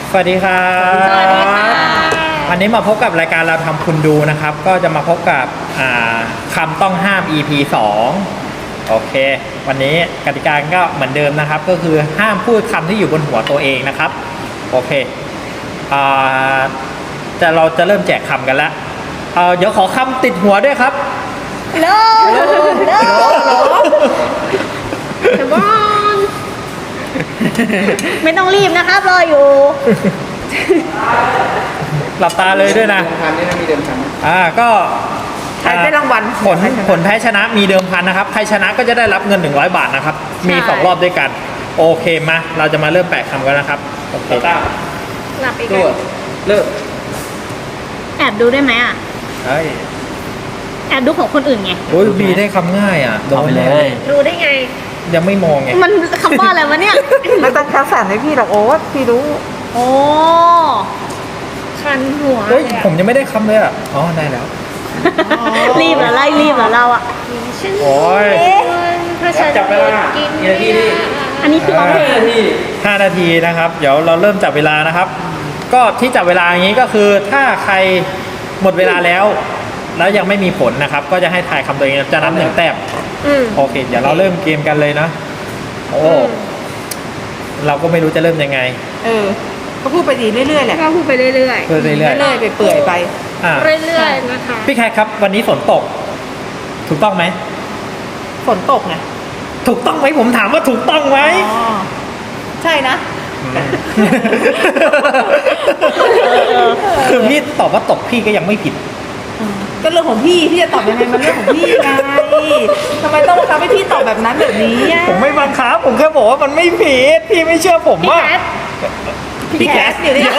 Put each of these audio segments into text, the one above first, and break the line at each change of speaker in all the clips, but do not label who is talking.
สวัสดีครับ
สวัสดีค่ะ
วันนี้มาพบกับรายการเราทำคุณดูนะครับ ก็จะมาพบกับคำต้องห้าม EP 2 โอเค วันนี้กติกาก็เหมือนเดิมนะครับ ก็คือห้ามพูดคำที่อยู่บนหัวตัวเองนะครับ โอเคเราจะเริ่มแจกคำกันแล้วเดี๋ยวขอคำติดหัวด้วยครับ
โลเดี๋ยวบอลไม่ต้องรีบนะครับรออยู่
หลับตาเลยด้วยนะ
เดิมพันนี่นะมีเดิมพันไหม
ก็
ใครได้รางวัล
ผลแพ้ชนะมีเดิมพันนะครับ ใครชนะก็จะได้รับเงิน100 บาทนะครับ มี
ใช่
2 รอบด้วยกัน โอเคมา เราจะมาเริ่มแปะคำกันนะครับ โอเค
หลับอีก
ตัวเลิก
แอบดูได้ไหมอ่ะ
เฮ้ย
แอบดูของคนอื่นไง
โอ้ยบีได้คำง่ายอ่ะโดนเลย
ดูได้ไง
ยังไม่มองไง
มันคำว่าอะไรวะเนี่ย
ไม่ต้องคัดสรรให้พี่หรอกโอ๊ตพี่รู้
โอ้คันหัว
เฮ้ย ผมยังไม่ได้คำเลยอ่ะ อ๋อ ได้แล้ว
รีบเหรอไล่รีบเหรอเราอ่ะ
โอ้ย
ถ้าฉัน
จับเวลากี่นาทีดิ
อันนี้คือร้องเพลง
5 นาทีนะครับ เดี๋ยวเราเริ่มจับเวลานะครับ ก็ที่จับเวลาอย่างนี้ก็คือ ถ้าใครหมดเวลาแล้ว แล้วยังไม่มีผลนะครับ ก็จะให้ทายคำตัวเองจะนับ1 แต้ม โอเค เดี๋ยวเราเริ่มเกมกันเลยนะ โอ้เราก็ไม่รู้จะเริ่มยังไง
ก็พูดไปดีเรื่อยๆแหละ
ก็พูดไปเรื่อย
เรื่อยๆ
เรื่อยๆไปเปื่อยไป
อ่ะ
ๆเรื่อยๆนะคะ
พี่แคทครับ วันนี้ฝนตก ถูกต้องไหม
ฝนตกไง
ถูกต้องไหมผมถามว่าถูกต้องไหม
อ๋อใช่นะ
คือพี่ตอบว่าตกพี่ก็ยังไม่ผิด
ก็เรื่องของพี่พี่จะตอบยังไงมันเรื่องของพี่ไงทำไมต้องบังคับให้พี่ตอบแบบนั้นแบบนี้อะ
ผมไม่บังคับผมแค่บอกว่ามันไม่ผิด พี่ไม่เชื่อผม
พี่
ว่า
แคท
พี่แคสอยู่นี่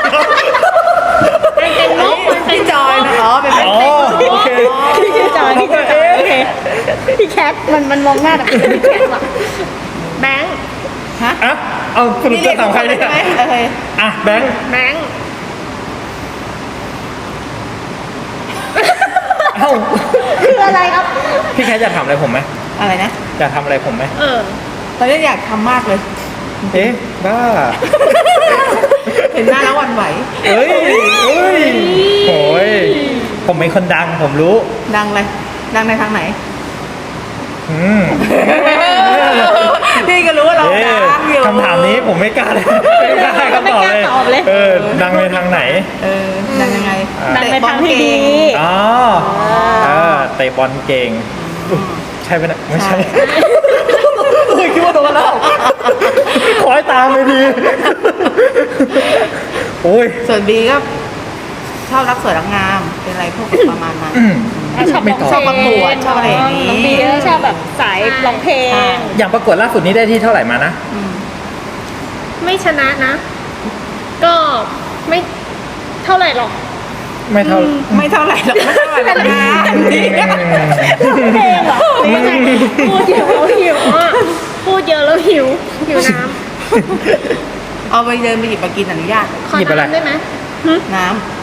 มันเป็นนกมันเป็น
พี่จอยนะอ๋อเป็น
อ๋อโอเค
พี่จอยพี่จอยโอเคพี่แคทมันมองหน้าแบบพี่แคทว่ะแบงค์
ฮะ
อ่ะเอาสรุปจะถามใครเนี่ย
ใช่ไหมโอเค
อ่ะแบงค์
แบงค์
เอ้า
คืออะไรครับ
พี่แคทจะถามอะไรผมไหม
อะไรนะ
จะทำอะไรผมไหม
ตอนนี้อยากทำมากเลย
เอ๊ะบ้า
เห็นหน้าแล้วหวั่นไหว
เอ้ยเอ้ยโอ้ยผมเป็นคนดังผมรู้
ดังเลยดังในทางไหน
อืม
พี่ก็รู้ว่าเรา
เอ๊ะ
ดังอยู่
คำถามนี้ผมไม่กล้าเลยไม่กล้าให้คำตอบเลย
ไม่กล้าตอบเลย
ดังในทางไหน
ดังยังไง
ดังในทางที่ดี
อ๋อเตะบอลเก่งอุ๊ยใช่ไหมเนี่ยไม่ใช่คิดว่าโดนแล้วขอให้ตามเลยดีโอ้ย
ส่วนบีก็ชอบรักสวยรักงาม เป็นอะไรพวกประมาณนั้น
ชอบ
ไม่ตอบ
ชอบประกวดชอบอะไรอย่างนี้
น้องบีก็ชอบแบบสายร้องเพลง
อย่างประกวดล่าสุดนี้ได้ที่เท่าไหร่มานะ
ไม่ชนะนะ ก็ไม่เท่าไหร่หรอก
ไม่เท่า
ไม่เท่าไหร่หรอกไม่เท่าไหร่หรอกนะนี่
เพลงเหรอไม่ใช่พูดเยอะแล้วหิวอ่ะพูดเยอะแล้วหิวน้
เอาไปเดินไปหยิบมากินอนุญาต
ำขอ
หยิบอะไร
น้ำได้ไหม
น้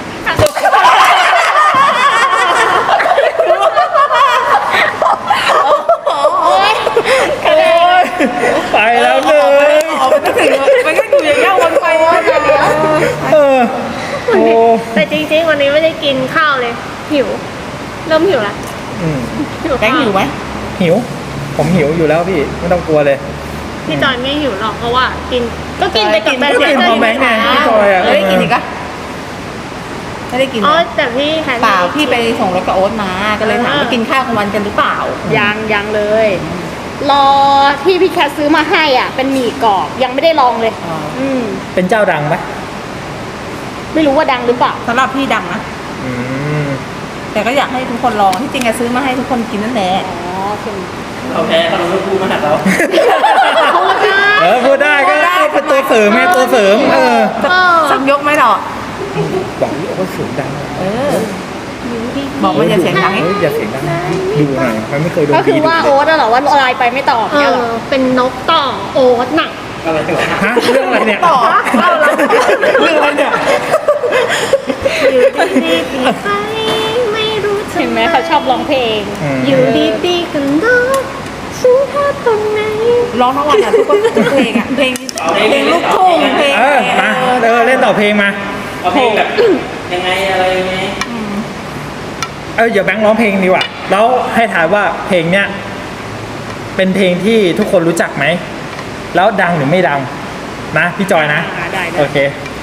โอ๊ย
โอ้ยไปแล้วหนึ่ง
ำออกไปก็ถึงมันก็อยู่อย่างเงี้ยวนไปวนมา
เออโอ้
แต่จริงๆวันนี้ไม่ได้กินข้าวเลย หิว เริ่มหิวละ
อืม
หิว
แกง
ข้าว
หิวไหม
หิว ผมหิวอยู่แล้วพี่ไม่ต้องกลัวเลย
พี่จอยไม่หิวหรอกเพราะว่ากินก็กินไปกับแบงค์
ก็กินพร้อมแบงค์ไงพี่จอยอ่ะ
ไม่ได้กินอีกอะไม่ได้กิน
อ๋อแต่พี่แฮน
เปล่าพี่ไปส่งรถกับโอ๊ตมา ก็เลยถามว่ากินข้าวกลางวันกันหรือเปล่า
ยังเลย รอที่พี่แคทซื้อมาให้อ่ะ เป็นหมี่กรอบยังไม่ได้ลองเลย
อ๋อ
เป็นเจ้าดังไหม
ไม่รู้ว่าดังหรือเปล่า
สำหรับพี่ดังนะ
อืม
แต่ก็อยากให้ทุกคนลอง ที่จริงอะซื้อมาให้ทุกคนกินนั่นแหละ
อ๋อคือ
เราแพ้เขาเราพูดมาหัดเรา
พูดได้
พูดได้ก็เป็นตัวเสริมไงตัวเสริม
สักยกไหมหรอ
บอกนี่เขาเสียงดัง
บอกว่าอย่าเสียงดัง
เฮ้ยอย่าเสียงดังดูหน่อยมันไม่เคยโดน
ก็คือ
ดี
ว่าโอ๊ตอะเหรอว่าไลน์ไปไม่ตอบเนี่ยเหรอเป็นนกต่อโอ๊ตน่ะ
อะไรฮะเรื่องอะไรเนี่ย
ต่อเข้าแล้ว
เรื่องอะไรเนี่ย
อยู่ดีๆปีไปไม่รู้เห็นไหมเขาชอบร้องเพลง อยู่ดีๆกันเนาะฉันพลาดตรงไหน
ร้องทั้งวันอะทุกเพลงอะเพลงลูกทุ่งเพลง
มาเล่นต่อเพลงมา
เอาเพลงแบบยังไงอะไรยังไง
เดี๋ยวแบงค์ร้องเพลงดีกว่าแล้วให้ถ่ายว่าเพลงเนี้ยเป็นเพลงที่ทุกคนรู้จักไหมแล้วดังหรือไม่ดังนะพี่จอยนะ
ได้
โอเค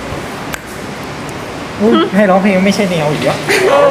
อุ๊ยให้ร้องเพลงไม่ใช่แนวอีกแล้ว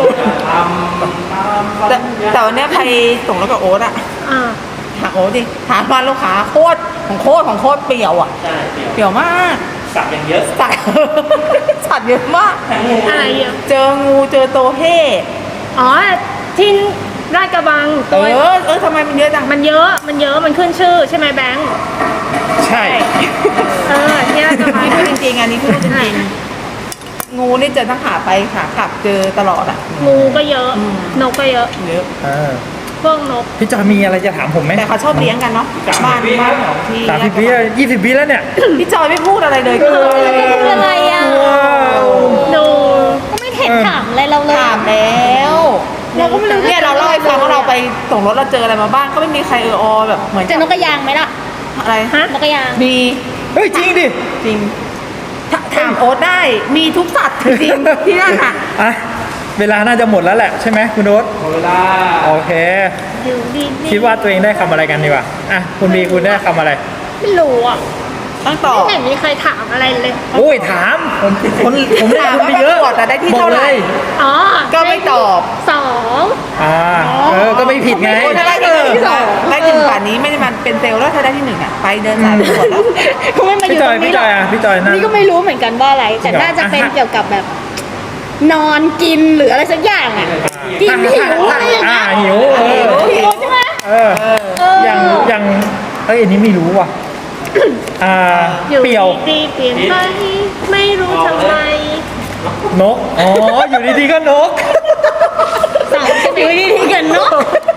แต่วันเนี้ยใครส่งแล้วกับโอ๊ตอะ
อ่า
หาโอ๊ตดิหาบ้านลูกค้าโคตรของโคตรเปรี่ยวอะ
ใช่เดี๋ยว
เปรี่ยวมาก
สับอย่างเยอะ
สัตว์ สัตว์เยอะมาก
อะไรเยอะ
เจองูเจอโตเฮ่
อ๋อที่ราชกระบัง
เออทำไมมันเยอะจัง
มันเยอะมันขึ้นชื่อใช่ไหมแบงค์
ใช่
ที่ราชกระบัง
พูดจริงๆอันนี้พูดจริงๆงูนี่เจอทั้งขาไปขากลับเจอตลอดอะ
งูก็เยอะ นกก็เยอะ
เยอะ
พวกนก
พี่จอยมีอะไรจะถามผมไหม
แต่เขาชอบเลี้ยงกันเนาะบ้านของที่
30 ปี20 ปีแล้วเนี่ย
พี่จอยไม่พูดอะไรเลย
คืออะไรอ่ะ
ว้าว
ดูก็ไม่เห็นถามอะไรเราเลย
ถามแล้วเราก็ไม่รู้เนี่ยเราเล่าให้ฟังว่าเราไปส่งรถเราเจออะไรมาบ้างก็ไม่มีใครแบบเหมือน
เจอนกกระยางไหมล่ะ
อะไร
ฮะนกกระยาง
มี
เฮ้ยจริงดิ
จริงถามโอ๊ตได้มีทุกสัตว์จริงๆที่นั่นอ่ะ
อ่ะเวลาน่าจะหมดแล้วแหละใช่ไหมคุณโน้ต
หมดเวลา
โอเค
อยู่ดี
คิดว่าตัวเองได้คำอะไรกันดีกว่าอ่ะคุณบีคุณได้คำอะไร
ไม่รู้อ่ะ
ต้องตอบ
ไม่เห็นมีใครถามอะไรเลย
โอ้ยถามผมได้
ถาม
คุณ
ว่า
ไปเยอะ
ประกวดแต่ได้ที่
บอก
เท่าไหร่
เลย
อ๋อ
ก็ไม่ตอบ
2
ก็ไม่ผิดไง
ถ้าได้ที่หนึ่งได้ถึงป่านนี้ไม่ได้มันเป็นเซลล์แล้วถ้าได้ที่หนึ่งอ่ะไปเดินสายประกวดแล้ว
ก็ไม่มาอ
พี่
ยู่
จ
ต
อ
ร
ย
ง
พี่
นี้
จ
หร
อ
อย ก
อ่ะพี่จอยนั่น
นี่ก็ไม่รู้เหมือนกันว่าอะไร แต่
จริงเหรอ
น่าจะเป็น
อ่ะ
เกี่ยวกับแบบ นอนกินหรืออะไรสักอย่างอ่ะ กินหิวอะไรอย่างเงี้ย
หิว
หิวใช่ไหม
อย่างอันนี้ไม่รู้ว่ะ
อยู่
เปี่ยว
ดีๆเปลี่ยนไปไม่รู้ทำไม
นกอยู่ดีๆก็นก
สาวอยู่ดีๆกันเนาะ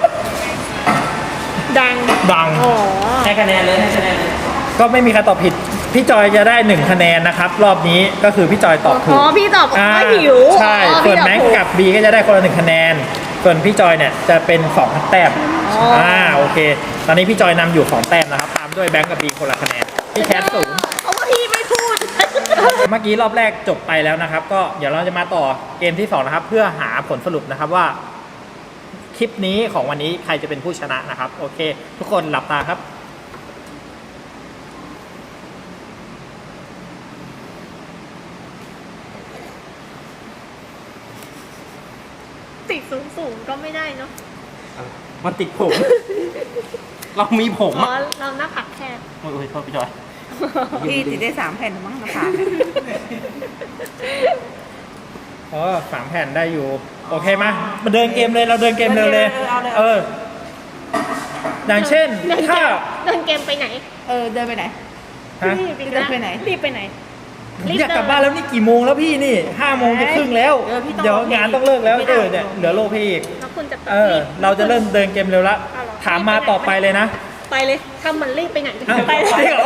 ดัง
ดัง
อ๋อ
ให้คะแนนเลยให้คะแนนเลย
ก็ไม่มีใครตอบผิด พี่จอยจะได้1 คะแนนนะครับ รอบนี้ก็คือพี่จอยตอบถู
อ๋
ก
อพี่ตอบว่าหิว
ใช่
อ๋อ
ส่
พี่
วน
ตอบ
แม็ก
ถู
กับบีก็จะได้คนละ1 คะแนน ส่วนพี่จอยเนี่ยจะเป็น2 แต้มโอเค ตอนนี้พี่จอยนำอยู่2 แต้มนะครับ ตามด้วยแบงก์กับบีคนละคะแนน พี่แคท0
เพราะว่าพี่ไม่พูด
เมื่อกี้รอบแรกจบไปแล้วนะครับ ก็เดี๋ยวเราจะมาต่อเกมที่2นะครับ เพื่อหาผลสรุปนะครับว่า คลิปนี้ของวันนี้ใครจะเป็นผู้ชนะนะครับ โอเค ทุกคนหลับตาครับ
ติดสูงก็ไม่ได้เนาะ
มันติดผม เรามีผม
อ๋อ
อ่ะ
เราหน้าผักแคบ
โอ้ยโทษพี่จอย
พี่ติดได้3 แผ่นมั้งนะผ่าน
3 แผ่นได้อยู่ โอเคมาเดินเกมเลยเราเดินเกมเร็วเลย อย่างเช่นถ้า
เดินเกมไปไหน
เดินไปไหน
ฮะ
รีบ
เดินไปไหน
รีบไปไหน
ผมอยากกลับบ้านแล้วนี่กี่โมงแล้วพี่นี่5 โมงจะครึ่งแล้ว
พี่ต้อง
เดี๋ยวงานต้องเลิกแล้ว
ไม่ได้
เนี่ยเหลือโลพี่อีก
แล้วคุณจะ
เราจะเริ่มเดินเกมเร็วละ
เอาเหรอ
ถามมาต่อไปเลยนะ
ไปเลยถ้ามันรีบไปไหนก็
อ้าว
ไป
ไป
เลย
เหรอ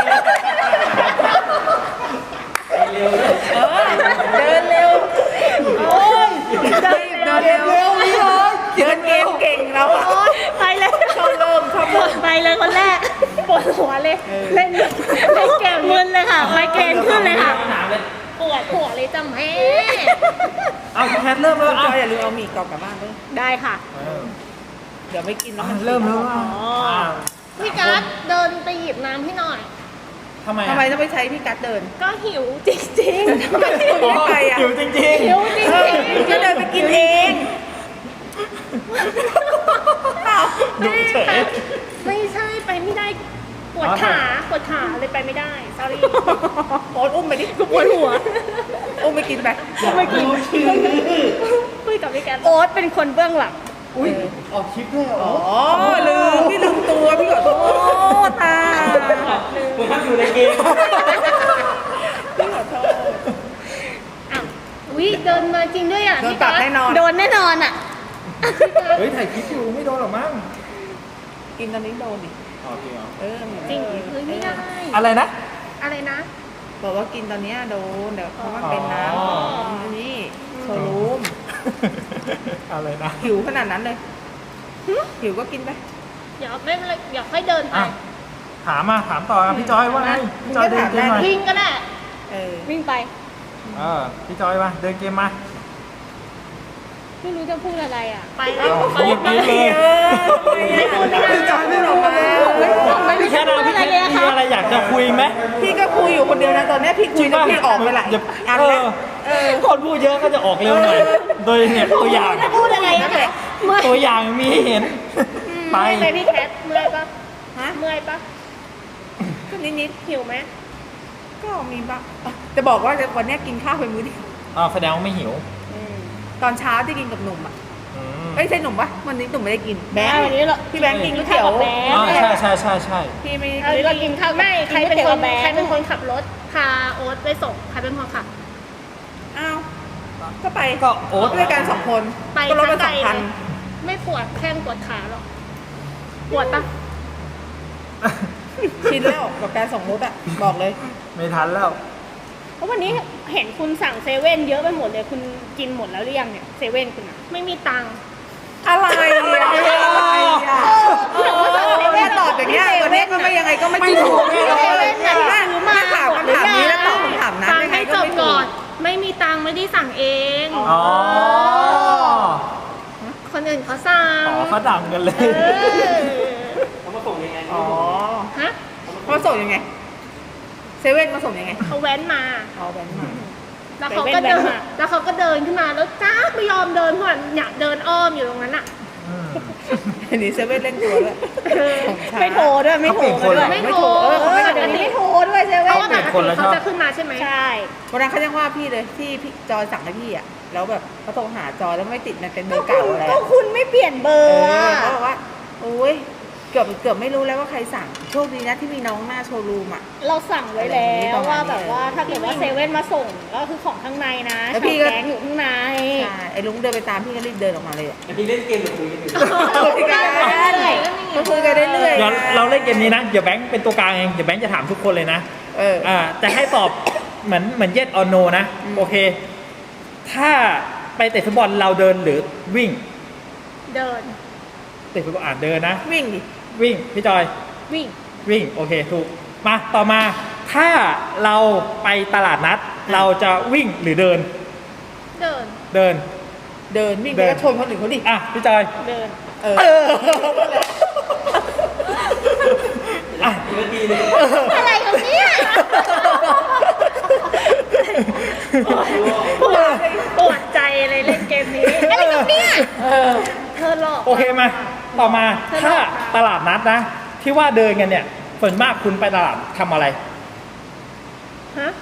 เดินเร็วโอ้ยเดินเร็วนี่เลยเดินเกมเก่งแล้วอ่ะ
โอ๊ยไปเลย
ชอบเริ่ม
ไปเลยคนแรกปวดหัวเลยเล่นเกมมึนเลยค่ะไมเกรนขึ้นเลยค่ะ
ถามเลย
ปวดหัวเลยจ้ะแม่
เอาแคทเริ่มแล้ว
จอยอย่าลืมเอาหมี่กรอบกลับบ้านด้วย
ได้ค่ะ
เดี๋ยวไม่กินแล้วมัน
เริ่มแล้ว
อ๋อพี่กัสเดินไปหยิบน้ำให้หน่อย
ทำไม
ทำไมต้องไปใช้พี่กัดเดิน
ก็หิวจริงๆ
ทำไมหิวยังไงอ่ะ
หิวจริง
หิวจริง
ก็เดินไปกินเอง
ๆดูเฉย
ไม่ใช่ไปไม่ได้ปวดขาเลยไปไม่ได้ sorry
โอ๊ตอุ้มไปดิ
ปวดหัว
อุ้มไปกินไป
ไม่กินคุยกับพี่แกโอ๊ตเป็นคนเบื้องหลัง
อุ้ยออกคลิปด้วยเหรอ
อ๋อพี่ลืมตัวพี่ขอโทษตา
ผมพักอยู่ในเกม
พี่ขอโทษ
อ้าววิเดินมาจริงด้วยอ่ะ
โดน
พี่
ปรั
กั
บ
ส
แน่นอน
โดนแน่นอนอ่ะ
เฮ้ยถ่ายคลิปอยู่ไม่โดนหรอกมั้ง
กินตอนนี้โดนดิ
อ๋อจริงเหรอ
จริงคือไม่ได้
อะไรนะ
อะไรนะ
บอกว่ากินตอนเนี้ยโดนเดี๋ยวเพราะมันเป็นน้
อ๋อ
ำนี่โชว์รูม
อะไรนะ
หิวขนาดนั้นเลยหิวก็กินไป
เดี๋ยวไม่เป็นไรเดี๋ยวค่อยเดินไป
อ่ะถามต่อพี่จอยว่าไงพี่จอยเดินเกมหน่อย
วิ่งก็ได้
เออ
วิ่งไป
พี่จอยมาเดินเกมมา
ไม่รู้จะพูดอะไรอ่ะ ไป
เอา
แล้ว
หยิบเลย
พี่จอยไม่ออกมา
พี่แคทนะพี่แคทมีอะไรอยากจะคุยไหม
พี่ก็คุยอยู่คนเดียวนะตอนนี้พี่คุยแล้วพี่ออกไปหลายอันแล้ว
คนพูดเยอะก็จะออกเร็วหน่อย โดยเนี่ยตัวอย่าง
จะพูดอะไรอ่ะเมื่อย
ตัวอย่างมีให้เห็น ไป
เมื่อยไหมพี่แคทเมื่อยปะ
ฮะ
เมื่อยปะ
ก็นิด
หิวไหม
ๆก็มีบ้างจะบอกว่าวันนี้กินข้าวไปมื้อเดียว
แสดงว่าไม่หิว
ตอนเช้าที่กินกับหนุ่มอ่ะ
อืม
ไม่ใช่หนุ่มปะวันนี้หนุ่มไม่ได้กินแบง
วันนี้เรา
พี่แบงค์กินก๋วยเตี๋ยว
กินข้าวกับแบงค์
ใช่
พี่ไม่
วันนี้เรากินข้าวไม่ใครเป็นคน
แบงค์
ใครเป็นคนขับรถพาโอ๊ตไปส่งใครเป็นคนขับ
อ้าวก็ไป
ก็โอ๊ต
ด้วยกันสองคน
ไป
ก็รถละ
ไกล
2,000
เลยไม่ปวดแข้งปวดขาหรอกปวดปะ
ชินแล้วกับการส่งรถอ่ะบอกเลย
ไม่ทันแล้ว
เพราะวันนี้เห็นคุณสั่งเซเว่นเยอะไปหมดเลยคุณกินหมดแล้วหรือยังเนี่ยเซเว่นคุณอะไม่มีตังค์
อะไรอ่ะแม่ตอบอย่างเงี้ยวันนี้ก็ไม่ยังไงก็ไม่ถูก
เซเว่นน่ะซื้อมา
ถามคำถามนี้แล้วตอบคำถามนั้น
ฟัง
ยังไง
ให้
ก็
จบ
ไม่ถู
ก่อก นไม่มีตังค์ไม่ได้สั่งเอง
อ๋อ
คนอื่นเขาสั่ง
เขาดังกันเลย
เออ
เขามาส่งยังไง
อ๋อ
ฮะ
เขาส่งยังไงเซเว่นมาส่งยังไง
เขาแว้นมา
เอาแบงค์มา
แล้วเขาก็เดินแล้วเขาก็เดินขึ้นมาแล้วจ้าไม่ยอมเดินเพราะว่าอยากเดินอ้อมอยู่ตรงนั้นอ่ะ
อันนี้เซเว่นเล่นตัวด้วย
ไม่โทรด้วยไม่โทร
เขาเปลี่ยนคนเหรอ
ไม่โทร
เดี๋ยวนี้ไม่โทร
ด้วยเซเว่น
เขาเปลี่ยนคนแล้วชอบ
เขาจะขึ้นมาใช่ไหมใช่
วันนั้นเขายังว่าพี่เลยที่พี่จอยสั่งให้พี่อ่ะแล้วแบบเขาโทรหาจอยแล้วไม่ติดมันเป็นเบอร์เก่าอะไร
ก็คุณไม่เปลี่ยนเบอ
เอ
ร์
อ
อะ
เขาบอกว่าโอ้ยเกือบไม่รู้แล้วว่าใครสั่งโชคดีนะที่มีน้องหน้าโชว์รูมอ่ะ
เราสั่งไว้แล้ว
ประมา
ว่า
ณนี้
แบบว่าถ้าเกิดว่าเซเว่นมาส่งก็คือของข้างในนะ
แล้ว
ชา
พี่
ว
ก็
แกงอยู่ข้างใน
ใช่ไอ้ลุงเดินไปตามพี่ก็รีบเดินออกมาเลยอ่ะ
อันนี้เล่นเกมหรือคุยกันอยู่
คุยกันก็คุยกันเรื่อย
เดี๋ยวเราเล่นเกมนี้นะ เดี๋ยวแบงค์เป็นตัวกลางเอง เดี๋ยวแบงค์จะถามทุกคนเลยนะ
เออ
จะให้ตอบเหมือน yes or no นะ โอเค ถ้าไปเตะฟุตบอลเราเดินหรือวิ่ง
เดิน
เตะฟุตบอลเดินนะ
วิ่งดิ
วิ่ง พี่จอย
วิ่ง
วิ่ง โอเค ถูก มาต่อมา ถ้าเราไปตลาดนัด เราจะวิ่งหรือเดิน
เดิน
เดิน
เดินวิ่งไปก็ชนคนอื่นเขาดิ
อ่ะ พี่จอย
เดิน
เออ
อ่ะ
อีกนาทีนึง
อะไรของเนี่ยปวดใจเลยเล่นเกมนี้อะไรของเนี่ยเธอหลอก
โอเคมา ต่อมา
เธอหล
ถ้า
อก
ตลาดนัดนะ ที่ว่าเดินกันเนี่ยส่วนมากคุณไปตลาดทำอะไร
ฮะ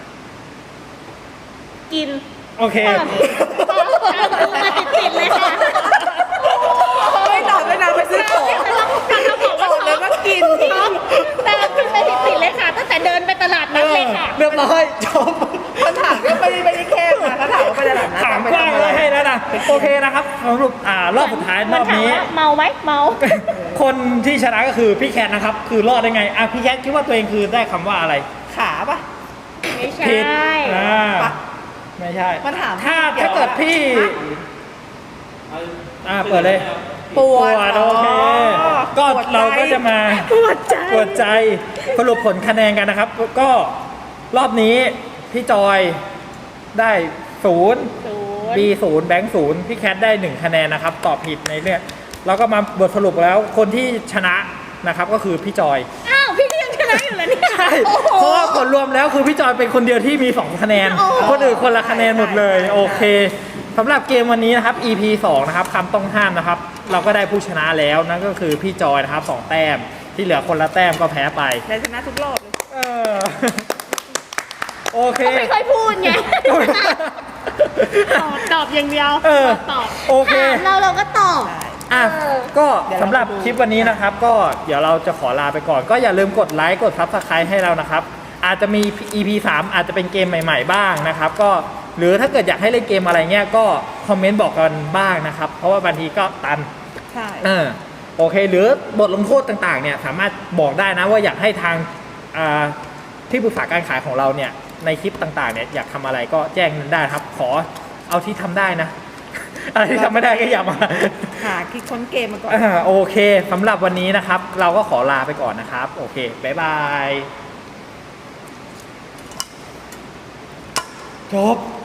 กิน
โอเค
มาติดๆเลยค่ะ
ไม่ตอบไม่นานไปซื้อของ
เราบอกว่า
ตอบเลยว่ากิน
แต่ขึ้นไปติดๆเลยค่ะตั้งแต่เดินไปตลาดนัดเลยค่ะ
เรียบร้อยจบ
คำถามก็ไม่ได้แค่มาเขาถามว่าไปตลาดนัด
ถาม
ไป
กว้าง
ทำอะไร
เลยให้แล้วนะโอเคนะครับสรุปรอบสุดท้ายรอบนี้
มัถามว่าเมาไหมเมา
คนที่ชนะก็คือพี่แคทนะครับ คือรอดได้ไงพี่แคทคิดว่าตัวเองคือได้คำว่าอะไร
ขาปะ
ไม่ใช่
ผิด
ปะ
ไม่ใช่
มันถาม
ถ้าเกิดพี่ เปิดเลย
ปวด
โอเค ก็
ปวดใจ
เราก็จะมา
ปวดใจ
ปวดใจสรุปผลคะแนนกันนะครับ ก็รอบนี้พี่จอยได้0 B 0แบงค์0พี่แคทได้ 1 คะแนนนะครับ ตอบผิดในเรื่องแล้วก็มาบทสรุปแล้วคนที่ชนะนะครับก็คือพี่จอย
อ้าวพี่ก็ยังชนะอยู่แล้วเนี่ย
ใช่เพราะว่าผลรวมแล้วคือพี่จอยเป็นคนเดียวที่มี 2 คะแนน คนอื่นคนละคะแนนหมดเลย โอเคสำหรับเกมวันนี้นะครับ EP 2 นะครับคำต้องห้ามนะครับ เราก็ได้ผู้ชนะแล้วนั่นก็คือพี่จอยนะครับ2 แต้มที่เหลือคนละแต้มก็แพ้ไป
แต่ชนะทุกรอบเลย
เออโอเค
ไม่ค่อยพูดไงตอบอย่างเดียว
เออ
ตอบ
โอเค
ถามเราก็ตอบ
อ่ะก็สำหรับคลิปวันนี้นะครับ ก็เดี๋ยวเราจะขอลาไปก่อน ก็อย่าลืมกดไลค์กด Subscribe ให้เรานะครับ อาจจะมี EP 3 อาจจะเป็นเกมใหม่ๆบ้างนะครับ ก็หรือถ้าเกิดอยากให้เล่นเกมอะไรเงี้ยก็คอมเมนต์บอกกันบ้างนะครับ เพราะว่าบางทีก็ตัน
ใช่
โอเค หรือบทลงโทษต่างๆเนี่ยสามารถบอกได้นะว่าอยากให้ทางที่ปรึกษาการขายของเราเนี่ยในคลิปต่างๆเนี่ยอยากทำอะไรก็แจ้งได้ครับ ขอเอาที่ทำได้นะ อะไรที่ทำไม่ได้ก็อย่ามา
หาคิดค้นเกมมาก่อน
โอเคสำหรับวันนี้นะครับ เราก็ขอลาไปก่อนนะครับ โอเค บ๊ายบายจบ